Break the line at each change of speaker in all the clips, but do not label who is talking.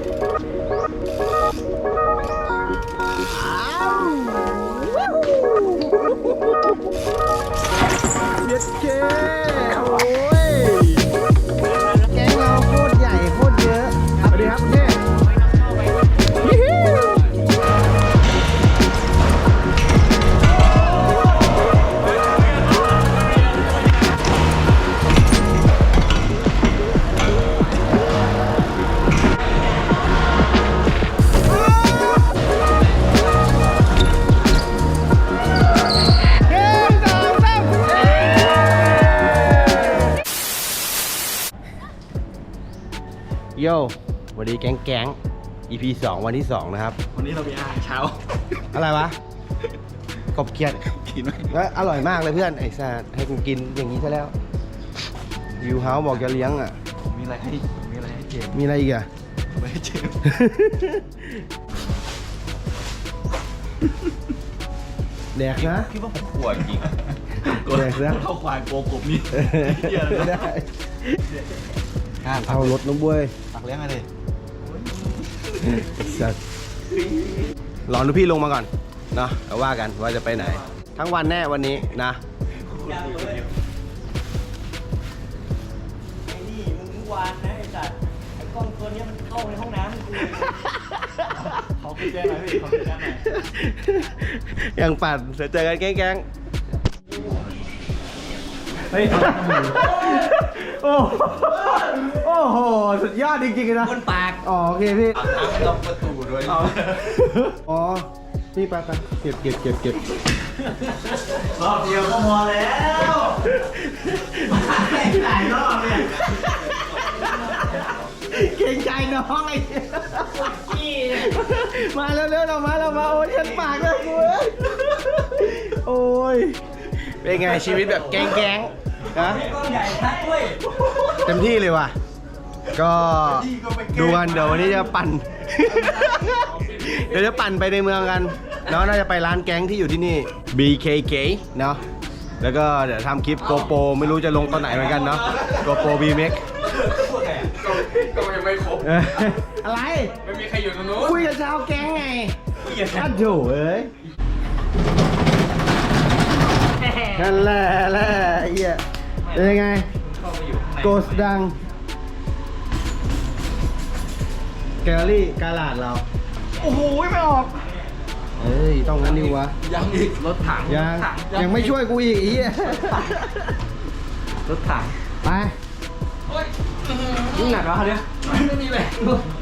เย็ดเก้โอ้ยแก๊งเราโคตรใหญ่โคตรเยอะสวัสดีครับคุณเท่โย่วันนี้แก๊ง EP 2 วันที่ 2 นะครับ
วันนี้เรามีอาหารเช้า
อะไรวะ กบเขียด
กินไหม
แล้วอร่อยมากเลยเพื่อน ไอ้สัสให้กูกินอย่างนี้ซะแล้ววิวเฮาส์บอกจะเลี้ยงอ่ะ
มีอะไรให้เจม
มีอะไรอีกอ่ะ
ไม่ให้เจม
แดกนะ
คิดว่าผมขวดจริง
แดกนะ
เข้าควายโกกบนี่
ไม่ได้เอารถน้ำบ้วย
ตักเลี้ยงอะไร
สัสรอดูพี่ลงมาก่อนเนาะแล้วว่ากันว่าจะไปไหน ทั้งวันแน่วันนี้นะ
ไอ้นี่มึงเมื่อวานนะไอ้สัตว์ไอ้กล้องตัวเนี้ยมันเข้าในห้องน้ำกู
เขาคุยแจ้งหน่อยพี่เขาคุยแจ้งหน่อย
ยังปั่นเดี๋ยวเจอกันแก๊ง
เฮ้ย
ๆโอ้โหสุดยอดจริงๆเลยนะ
คนปาก
อ๋อโอเคพี่
ทางล็อกประตูด้วย
อ๋อนี่ไปเก็บ
รอบเดียวก็พอแล้วหลายรอบเนี่ย
เก่งใจน้องไอ้มาเร็วๆเรามาโอ้ยเช็ดปากเลยกูโอ้ยเป็นไงชีวิตแบบแก๊งๆนะ
กล้องใหญ่ทักด้วย
เต็มที่เลยว่ะก็ดูกันเดี๋ยววันนี้จะปั่น เดี๋ยวจะปั่นไปในเมืองกันเนาะน่าจะไปร้านแก๊งที่อยู่ที่นี่ BKK เนาะแล้วก็เดี๋ยวทำคลิป GoPro ไม่รู้จะลงตอนไหนเหมือนกันเนาะ GoPro VMAX
ก็ยังไม่ครบ
อะไร
ไม่มีใครอยู่ตรงนู้น
คุยกับชาวแก๊งไงอ้าวโถเอ้ยนั่นแหละไอ้เหี้ยเป็นยังไง
เข้าไปอยู่ข้างใน
โกสดังแกลลี่กาลาดเรา
โอ้โหไม่ออก
เอ้ยต้องงั้นดิวะ
ยังอีกรถถัง
ยังไม่ช่วยกูอีกไอ้เหี้ย
รถถัง
ไป
ยิ่งหนักแล้วเนี่ยไม่มีแรง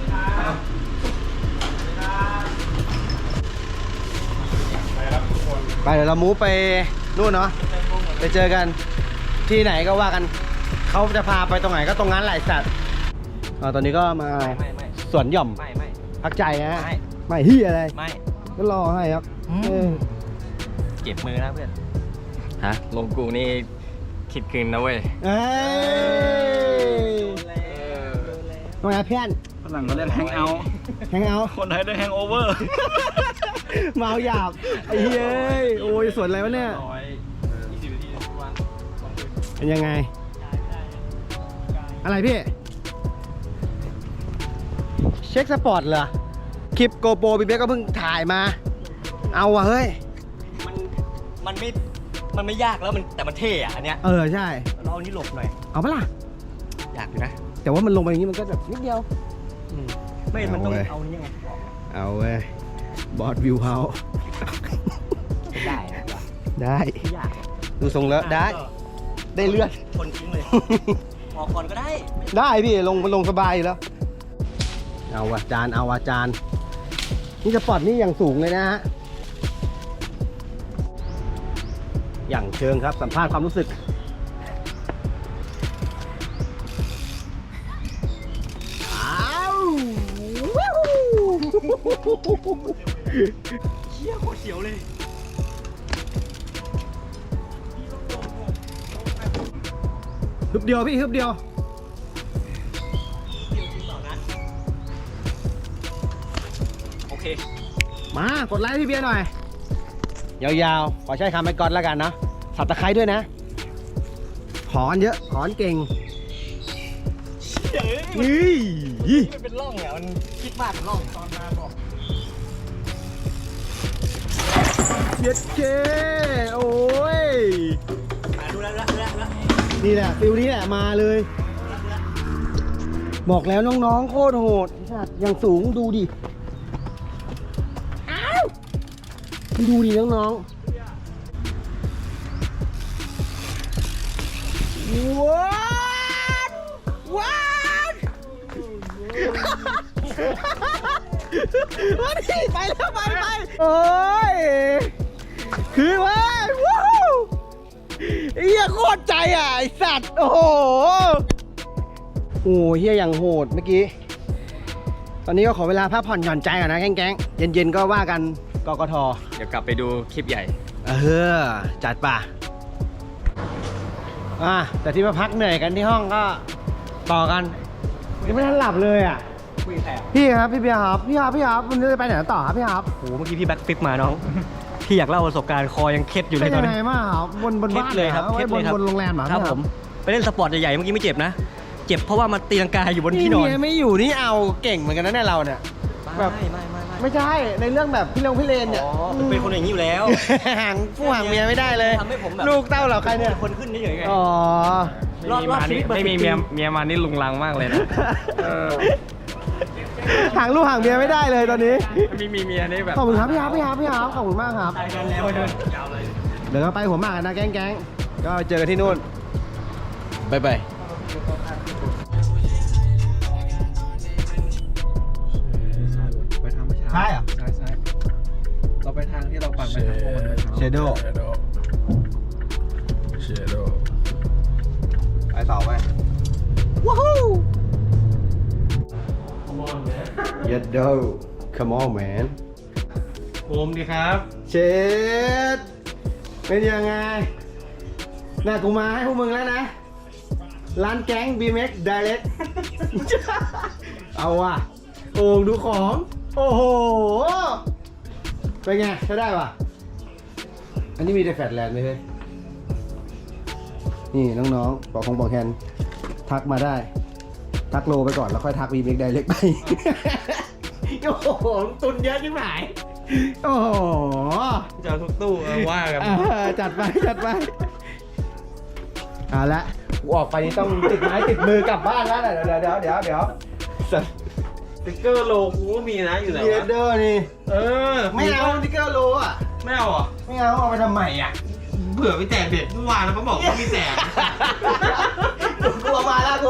ไปเดี๋ยวเรามูฟไปนู่นเนาะไปเจอกันที่ไหนก็ว่ากันเขาจะพาไปตรงไหนก็ตรงนั้นแหละไอ้สัตว์ตอนนี้ก็มา
ไม่
สวนหย่อม
ไม่
พักใจนะ
ไม่
ไม่เฮียอะไร
ไม่
ก็รอให้ครับเออ
เก็บมือนะเพื่อนฮะลงกูนี่คิดคืนนะเว้ย
เอ้ยทำไมเพื่อน
ฝรั่งเขาเรียกแฮงเอาท์
แฮงเอาท์
คนไทยเรียกแฮงโอเวอร์
เมาหยาบไอ้เฮ้ยโอ้ยสวนอะไรวะเนี่ย
20 นาทีทุกวัน
เป็นยังไงอะไรพี่เช็คสปอร์ตเหรอคลิปโกโปรพี่เบ๊กก็เพิ่งถ่ายมาเอาว่ะเฮ้ย
มันไม่ยากแล้วแต่มันเท่อะอันเนี้ย
ใช่
เราเอานี้หลบหน่อย
เอาปะล่ะ
อยากอยู่นะ
แต่ว่ามันลงไปอย่างนี้มันก็แบบนิดเดียว
ไม่มันต้อง
เอาเว้ย
เอานี้ไงออก
เอาเว้ยบอสวิวเฮาส์
ได้นะ
ได้
ไม่ยากหรอก
ดูทรงแล้วได้เลือด
คนทิ้งเลย ออกก่อนก็ได้
ได้พี่ลงสบายอยู่แล้วเอาอาจารย์นี่สปอร์ตนี่อย่างสูงเลยนะฮะอย่างเชิงครับสัมภาษณ์ความรู้สึก
เชี่ยโคตรเสียวเลย
ฮึบเดียวพี่ฮึบเดียว
โอเค
มากดไลค์พี่เบียร์หน่อยยาวๆขอใช้คำไปก่อนแล้วกันเนาะสับตะไคร้ด้วยนะขอนเยอะขอนเก่ง
เฮ้
เฮ้ย
มันเป็นร่องอ่ะมันคิดมากเป็นร่องตอนมาบอก
เย็ดเก้โอ้ย
ดูแล้ว
นี่แหละฟิลนี้แหละมาเลย บอกแล้วน้องๆโคตรโหดอย่างสูงดูดิอ้าวดูดิน้องๆว้าวว้าววันนี้ไปแล้วไปโอ้ยคือว่าว้าวเฮียโคตรใจอ่ะไอสัตว์โอ้โหโอ้เฮียอย่างโหดเมื่อกี้ตอนนี้ก็ขอเวลาพักผ่อนหย่อนใจก่อนนะแก๊งๆเย็นๆก็ว่ากันกกท.
เดี๋ยวกลับไปดูคลิปใหญ่
จัดป่ะแต่ที่มาพักเหนื่อยกันที่ห้องก็ต่อกันยังไม่ทันหลับเลยอ่ะ
คุยแผล
พี่ครับพี่เบียร์ครับพี่ครับวันนี้จะไปไหนต่อครับพี่ครับ
โอ้โหเมื่อกี้พี่แบ็คฟิปมาน้อง พี่อยากเล่าประสบการณ์คอยังเคล็ดอยู่เล
เป็
ย
น
ตอ
ยั
น
ง
นี้
ไงบ้างครับบน
เคล็
บ้า
ด
น
เลยครับ
ไว้
เคล็ดเลยครับ
บนโรงแรมเหรอ
ครับผมไปเล่นสปอร์ตใหญ่ๆเมื่อกี้ไม่เจ็บนะ เจ็บเพราะว่ามันตีลังกาอยู่บนที่นอน
เมียไม่อยู่นี่เอาเก่งเหมือนกันนะเนี่ยเราเนี่ย แบบ ไม่ใช่ในเรื่องแบบพี่เลนเนี่ย
อ๋อเป็นคนอย่างนี้อยู่แล้ว
ห่างผู้ห่างเมียไม่ได้เลย
ทำให้ผมแบบ
ลูกเต้าเราใครเนี่ย
คนขึ้นนี่ไง
อ๋อ
รอดชีวิต
ไม่มีเมียมานี่ลุงลังมากเลยนะ
ห่างลูกห่างเมียไม่ได้เลยตอนนี้
มีเมียนี่แบบ
ขอบคุณครับพี่ครับขอบคุณมากครับ
ตายกันแล้วเดิน
เดี๋ยวเราไปหัวหมากกันนะแก๊งก็เจอกันที่นู่นบ๊ายบาย
ไปทางไม่ช้า
ใช่เหรอ
ใช่เราไปทางที่เราปั่นไปทางพวกมัน
เชโดไปต่อไปว้าวยัดโด come on man
ผมดีครับ
เชดเป็นยังไงน่ากูมาให้พวกมึงแล้วนะ ร้านแก๊ง BMX Direct เอาว่ะโอ่งดูของ โอ้โห เป็นไงใช้ได้ป่ะ อันนี้มีแต่แฟลตแลนด์ไหมเฮ้ย นี่น้องๆบอกแฮนทักมาได้ ทักโลไปก่อนแล้วค่อยทัก BMX Direct ไป โอ้โหตุนเยอะยิ่งหายโอ้โห
จะเอาทุกตู้ว่ากัน
จัดไปเอาละกูออกไปนี่ต้องติดไม้ติดมือกลับบ้านแล้วเดี๋ยวสัตว์
สติ๊กเกอร์โลกูก็มีนะอยู่ไหน
เยเดอร์นี่ ไม่เอา
ดิ
สติ๊กเกอร์โลอ่ะ
ไม่เอาเหรอ
ไม่เอาเอาไปทำไมอ่ะ
เผื่อไปแจกเด็กเมื่อวานแล้วเขาบอกว่ามีแจก
กลัวมาแล้ว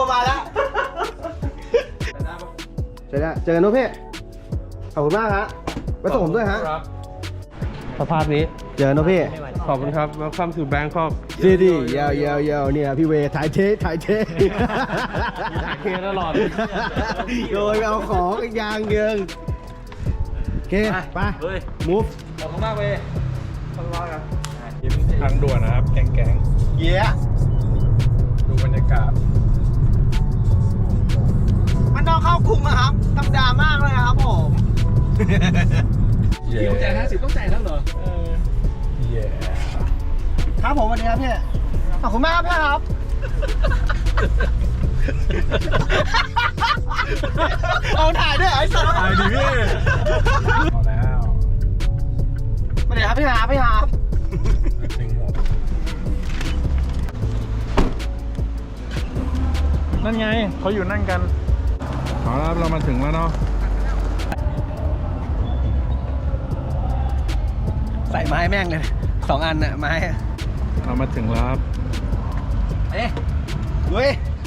เจอกันนุ๊กพี่ขอบคุณมากฮะไปส่งผมด้วยฮะ
ครับสภาพนี้
เจอกันนุ๊กพี่
ขอบคุณครับ Welcome to Bangkok
ซีดียาวเนี่ยพี่เวถ่ายเท
ถ่ายเทตลอด
โดยเอาของอีกอย่างเยิงโอเคไป
เฮ้ย
move
ขอบคุณมากเว้ยขอบคุณมากครับทางด่วนนะครับ แก๊ง
เย้
ๆดูบรรยากาศ
มันนอกเข้ากรุงนะครับธรรมดามากเลยครับผม
ต้องจ่าย50ต้องจ่ายแล้วเหรอเย้
ครับผมสวัสดีครับพี่ขอบคุณมากครับพี่ครับเอาถ่ายด้วยไอ้สัตว์
ถ่ายดิพี่เอาแล้ว
สวัสดีครับพี่ครับ
ถึงหมดนั่นไงเขาอยู่นั่งกันเอาละเรามาถึงแล้วเนาะ
ใส่ไม้แม่งเลย2 อันน่ะไม้
เรามาถึงแล้วครับ
เฮ้ย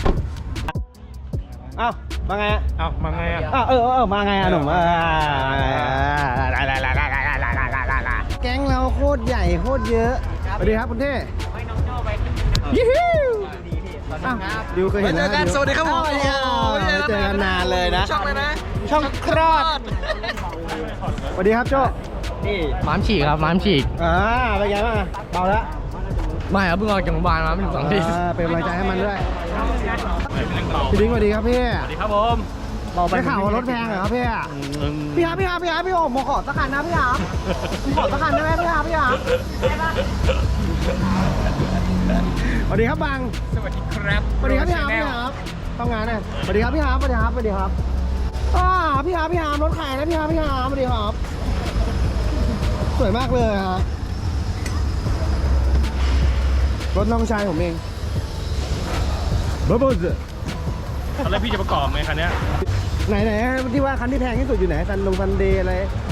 เอ้ามาไงอ่ะ
เอ้ามาไงอ่ะ
มาไงอ่ะหนุ่มแก๊งเราโคตรใหญ่โคตรเยอะสวัสดีครับคุณเท่ยี่ฮิวดิวเคยเห็นนะ
สวัสดีครับผม
เจอกันนานเลยนะ
ช่องเลยนะ
ช่องคลอดสวัสดีครับโจ้
นี่ม้ามฉีกครับม้ามฉีก
เป็นไงบ้างเบาแล้ว
ไม่ครับเพิ่งออกจากโรงพยาบาลมาไม่ถึง2 อาทิตย์
เป็นกำลังใจให้มันด้วยพี่ดิ้งสวัสดีครับพี่
สวัสดีครับผม
ได้ข่าวว่ารถแพงเหรอครับพี่พี่โอ๋มขอสักคันนะพี่ครับขอสักคันได้ไหมพี่ครับสวัสดีครับบัง
สวัสดีครับ
สวัสดีครับพี่ครับเข้างานหน่อยสวัสดีครับพี่ฮาร์ปสวัสดีครับสวัสดีครับพี่ฮาร์ปรถขายนะพี่ฮาร์ปสวัสดีครับสวยมากเลยฮะรถน้องชายผมเองเบอร์บูส
ตอนแรกพี่จะประกอบไหมคันเนี้ย
ไหนที่ว่าคันที่แพงที่สุดอยู่ไหนซันเดย์อะไร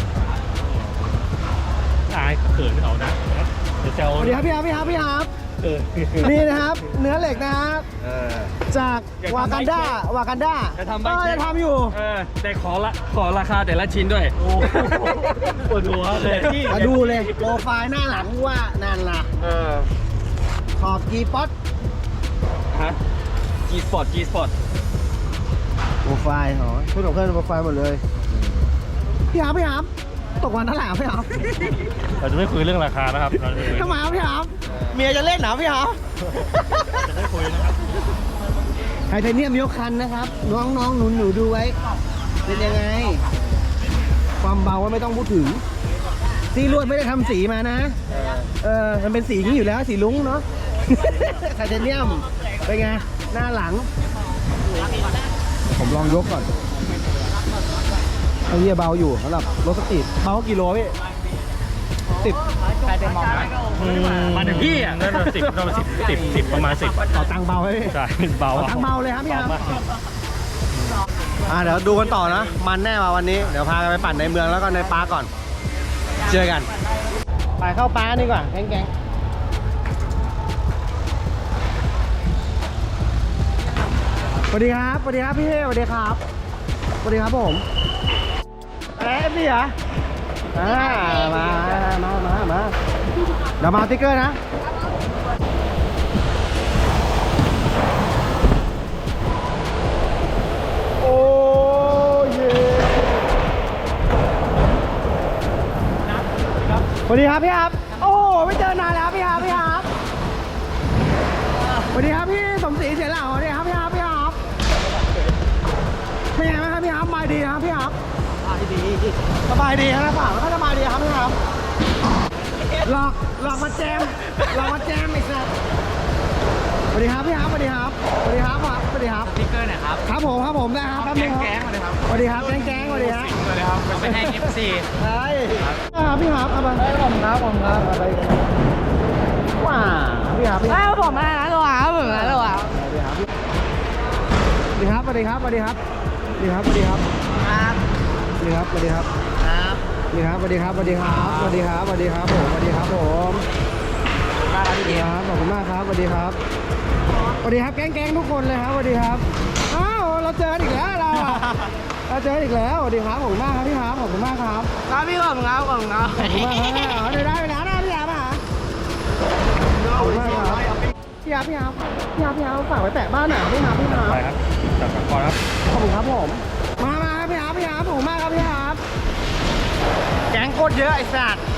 อายเขินเขานะเดี๋ยวเจ้า
สวัสดีครับพี่ฮาร์ปนี่นะครับเนื้อเหล็กนะครับจากวากันดา
จะทำไหม
จะทำอยู่
แต่ขอราคาแต่ละชิ้นด้วยโอ้ปวดหัวเลย
มาดูเลยโปรไฟล์หน้าหลังว่านั่นล่ะขอบกีป๊อต
ฮะ G Sport
โปรไฟล์เหรอพูดกับเพื่อนโปรไฟล์หมดเลยพี่ฮาร์ปตกวันเท่าไหร่พี่ฮาร์ป
เราจะไม่คุยเรื่องราคานะครับเราจะคุย
ทำไมครับพี่ฮาร์ปเมียจะเล่นเหรอพี่ฮาร์ป
จะไม่คุยนะครับ
ไทเทเนียมยกคันนะครับน้องๆหนูดูไว้เป็นยังไงความเบาว่าไม่ต้องพูดถึงสีลวดไม่ได้ทำสีมานะมันเป็นสีนี้อยู่แล้วสีลุ้งเนาะ ไทเทเนียมเป็นไงหน้าหลังผมลองยกก่อนไอ้เหี้ยเบาอยู่สำหรับรถสตรีทเบากี่โลพี่10ใครไปมอง
มาถึงพี่อ่ะนั่น10ประมาณ10
ต่อตังเบาไหมพี่
ใช่เบา
ต่อตังเบาเลยครับพี่ครับเดี๋ยวดูกันต่อนะมันแน่มาวันนี้เดี๋ยวพากันไปปั่นในเมืองแล้วก็ในปาร์คก่อนเจอกันไปเข้าปาร์คดีกว่าแก๊งสวัสดีครับพี่เท่สวัสดีครับผมอะไรพี่เหรอมาเดี๋ยวมาติ๊กเกอร์นะโอ้เย่สวัสดีครับพี่ครับโอ้ไม่เจอนานแล้วพี่ครับสวัสดีครับพี่สมศรีเสียเหล่าสวัสดีครับพี่ครับเป็นไงบ้างครับพี่ครับสบายดีครับพี่ครับสบายดีครับฝากแล้วก็สบายดีครับพี่ครับหลอกมาแจมอีกสักสวัสดีครับพี่ครับสวัสดีครับสติ๊กเกอร์หน่อยครับครับผมได้ครับแก๊งสวัสดีครับแก๊งสวัสดีครับ
ไปให้ FC
ใช่ครับพี่ครับเอาไปผมครับอะไรว้าพี่ครับ
ผมมาแล้วหรอผมมาแล้วอ่ะ
สวัสดีครับนี่ครับสวัสดีครับผมขอบคุณมากครับสวัสดีครับแก๊งทุกคนเลยครับสวัสดีครับอ้าวเราเจออีกแล้วสวัสดีครับขอบคุณมากครับพี่ครับขอบคุณมากครับ
พี่ผมครับ
ขอบคุณมากครับได้ไปแล้วนะพี่ครับขอบคุณมากครับพี่ครับฝากไว้แตะบ้านหน่อยพี่ครับ
ไปครับจัดก่อนครับ
ขอบคุณครับผมมาครับพี่ครับขอบคุณมากครับพี่ครับแก๊งโคตรเยอะไอ้สัตว์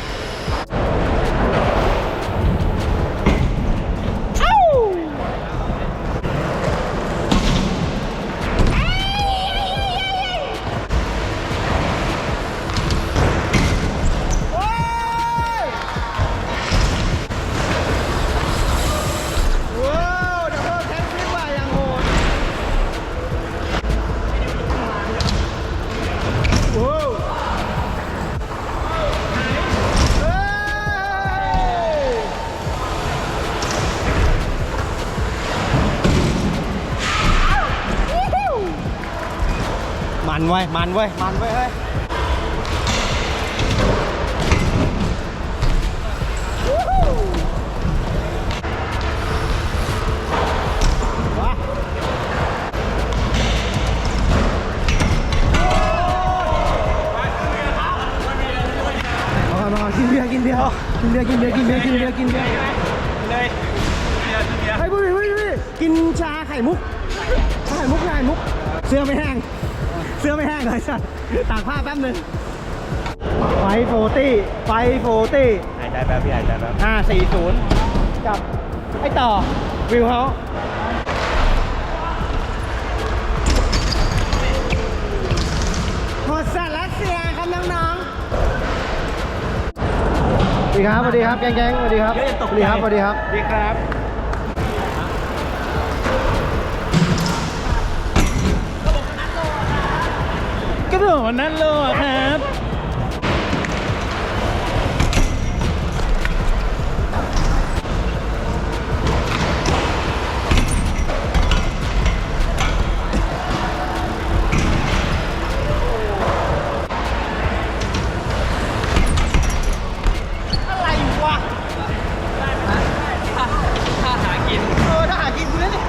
มันเว้ยเฮ้ยว้าเอากินเบียร์เลยให้พูดกินชาไข่มุกเสื้อไม่แห้งเลยสัตว์ตากผ้าแป๊บนึงไฟโฟตี้หายใจแป๊บ540กับไอ้ต่อวิวเขาโหดสัตว์รัสเซียครับน้องๆสวัสดีครับแก๊งสวัสดีครับ
ระโดดวันนั้นเลยอะครับ
อะไรวะ
ถ้าหากิน
ถ้าหากินกูเล่นดิ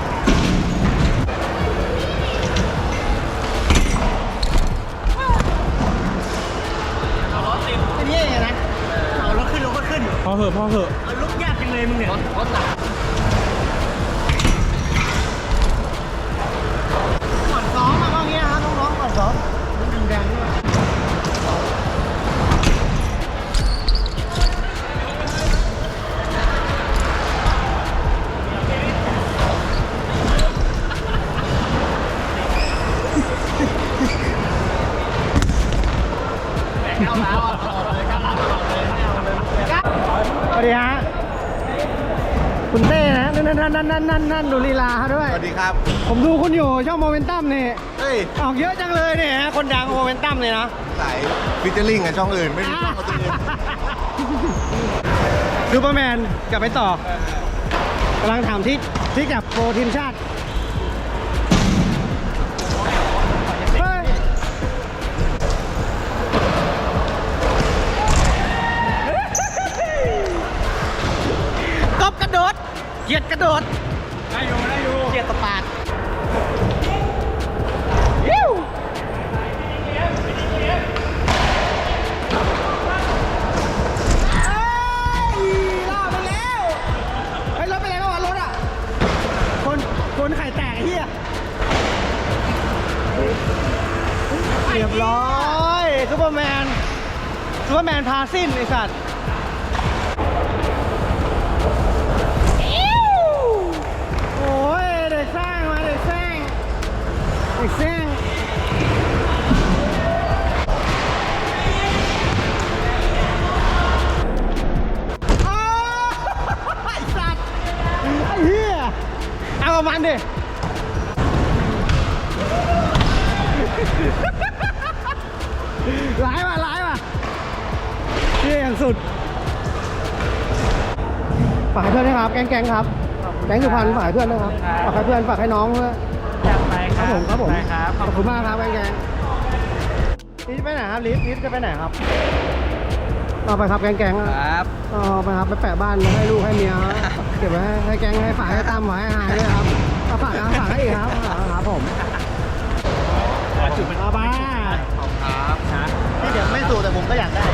อันนี้ยังไงนะเอารถขึ้นรถก็ขึ้น
พอเหอะพอเหอะ
เอาลุกยากจังเลยมึงเนี่ย
รถหนัก
ก่อนซ้อมอะก็อย่างเงี้ยครับน้องๆก่อนซ้อมมันดึงแดงด้วยสวัสดีฮะคุณเต้นะนั่นดูลีลาเขาด้วย
สวัสดีครับ
ผมดูคุณอยู่ช่องโมเมนตัมนี่
เฮ้ย
ออกเยอะจังเลยเนี่ยฮะคนดังโมเมนตัมเลยนะ
สายฟิชเจอริงกับช่องอื่น ไม่มีช่องของตัวเอง
ซูเปอร์แมนกลับไปต่อกำลังถามที่กับโปรทีมชาติเฮ้ยกบกระโดดเกียดกระโดด
ได้อยู่
เกียดตะปาดยิ้วล่าไปแล้วเฮ้ยรถไปไหนก็วะรถอ่ะคนไข่แตกไอ้เหี้ยเรียบร้อยซูเปอร์แมนพาสิ้นไอ้สัตว์โอ้ยเด็กสร้างมาเด็กสร้างอ้าวไอ้สัตว์ไอ้เหี้ยเอาประมาณดิร้ายว่ะเชี่ยอย่างสุดฝากให้เพื่อนนะครับแก๊งครับแก๊งสุพรรณฝากให้เพื่อนนะครับฝากให้เพื่อนฝากให้น้องด้วย
อยากไป
ครับผม
ไปครับ
ขอบคุณมากครับแก๊งลิฟไปไหนครับลิฟจะไปไหนครับเอาไปครับแก๊งๆ
ครับ
เอาไปครับไปแปะบ้านให้ลูกให้เมียเก็บไว้ให้แก๊งให้ฝากให้ตั้มไว้ให้หายด้วยครับเอาฝากให้อีกครับครับผมเอาไป
นี่เดี๋ยวไม่สูแต่ผมก็อยากได้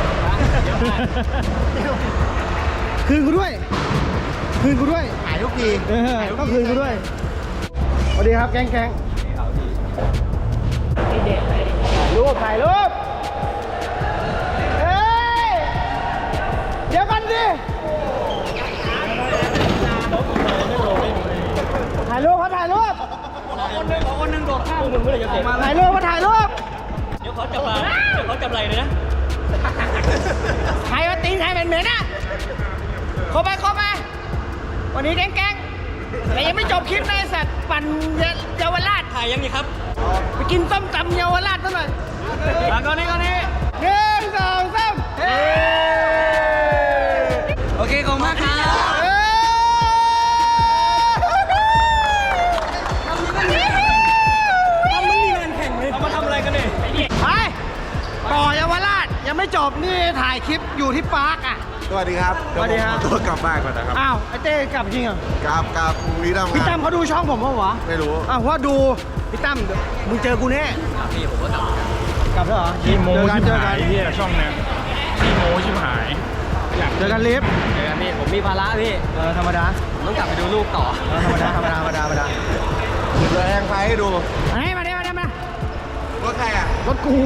คืนกูด้วย
หายทุกที
ต้องคืนกูด้วยสวัสดีครับแก๊งถ่ายรูปเฮ้ยเดี๋ยวกันดิถ่ายรูปเขาถ่ายรูปคนหนึ่งโดดข้ามมึงไม่ได้จะเตะถ่ายรูปเดี๋ยวเขาจับไหลเลยนะใครว่าตีนใครเหม็นๆนะเข้าไปวันนี้แก๊งแต่ยังไม่จบคลิปนะไอ้สัตว์ปั่นเยาวราชถ่ายยังนี่ครับไปกินส้มตำเยาวราชซะหน่อยก่อนนี้1 2 3
โอเคขอบคุณมากครับ
ไปต่อเยาวราชยังไม่จบนี่ถ่ายคลิปอยู่ที่ปาร์คอ่ะ
สวัสดีครับ
สวัสดีครับ
เยวผมขอตัวกลับบ้านก่อนนะครับ
อ้าวไอ้เต้กลับจริงเหรอ
กับพี่ตั้ม
พี่ตั้มเขาดูช่องผมเปล่าวะ
ไม่รู้
อ้าวเพราะว่าดูพี่ตั้มเดี๋ยวมึงเจอกูแน่
พี่ผมก็กลับ
กลับแล้วเหรอ
ขี้โม้
เจอกัน
ชิบ
เจอ
หา
กั
ย
น
เฮียช่องเนี้ยขี้โม้ชิบหาย
เจอกันลิฟต์
เจอกันพี่ผมมีภาระพี่
ธรรมดา
ผมต้องกลับไปดูลูกต่อ
ธรรมดา
เดี๋ยวแองไฟให้ดู
เฮ้ยมาดิ
รถใครอ่ะ
รถกู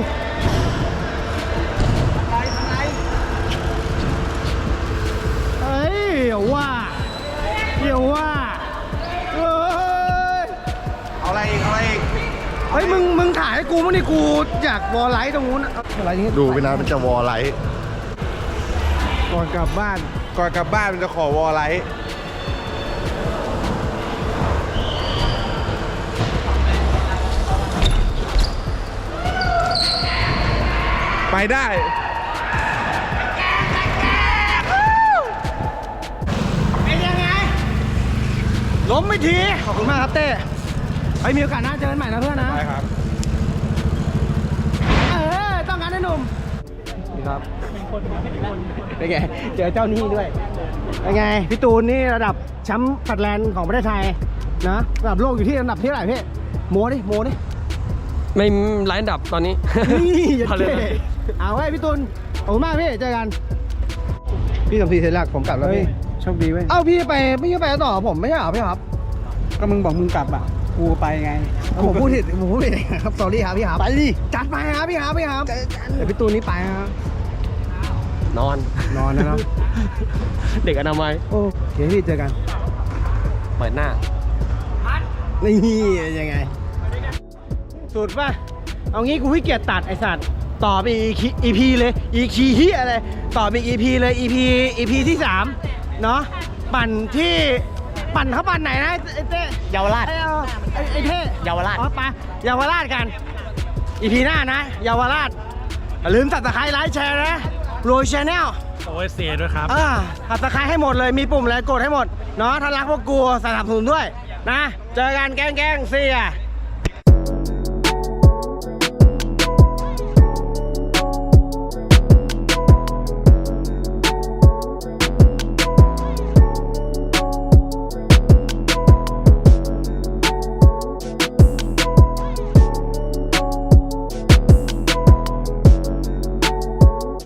เฮ้ยเดี๋ยวว่าเฮ้ย
เอาอะไรอีก
เฮ้ยมึงถ่ายให้กูมั้งนี่กูอยากวอลไลท์ตรงนู้นอะอะไรนี้
ดูไปนานมันจะวอลไลท์
ก่อนกลับบ้าน
ก่อนกลับบ้านมันจะขอวอลไลท์
ไปได้
เป็นยังไง ล้มไม่ที ขอบคุณมากครับเต้ไปมีโอกาสหน้าเจอกันใหม่นะเพื่อนนะ
ไปครับ
ต้องการให้หนุ่มนี่ครับเป็นไง เจอเจ้าหนี้ด้วย เป็นไง พี่ตูนนี่ระดับแชมป์สัตว์แลนด์ของประเทศไทยนะระดับโลกอยู่ที่อันดับที่เท่าไหร่พี่โมดิโมดิ
ไม่ไร้อันดับตอนนี้
นี่อย่า
เอาเลย
เท่เอาไว้พี่ตูนขอบคุณมากพี่เจอกัน พี่สมศรีเสร็จแล้วผมกลับแล้วพี่
โชคดีเว้ย
เอ้าพี่ไปต่อผมไม่ใช่เหรอพี่ครับ
ก็มึงบอกมึงกลับอ่ะ กูไปไง
ผมพูดผิดครับสอรี่ครับพี่ครับไปดิจัดไปครับพี่ครับเดี๋ยวพี่ตูนนี่ไปครับ
นอน
นอนนะเนาะ
เด็กอนามัย
โอ้เดี๋ยวพี่เจอกัน
เปิดหน้า
นี่ยังไงสุดป่ะเอางี้กูขี้เกียจตัดไอสัตว์ต่อไปอีพีเลยอีคีเฮียอะไรต่อไปอีพีเลยอีพีที่3เนาะปั่นเขาปั่นไหนนะไอเต้
เยาวราช
ไอเท่
เยาวราช
อ๋อไปเยาวราชกันอีพีหน้านะเยาวราชอย่าลืมตัดตะไคร้ไลค์แชร์นะโรยชาแนล
โอ้ยเสียด้วยครับ
ตัดตะไคร้ให้หมดเลยมีปุ่มอะไรกดให้หมดเนาะถ้ารักพวกกูสนับสนุนด้วยนะเจอกันแกล้งเสีย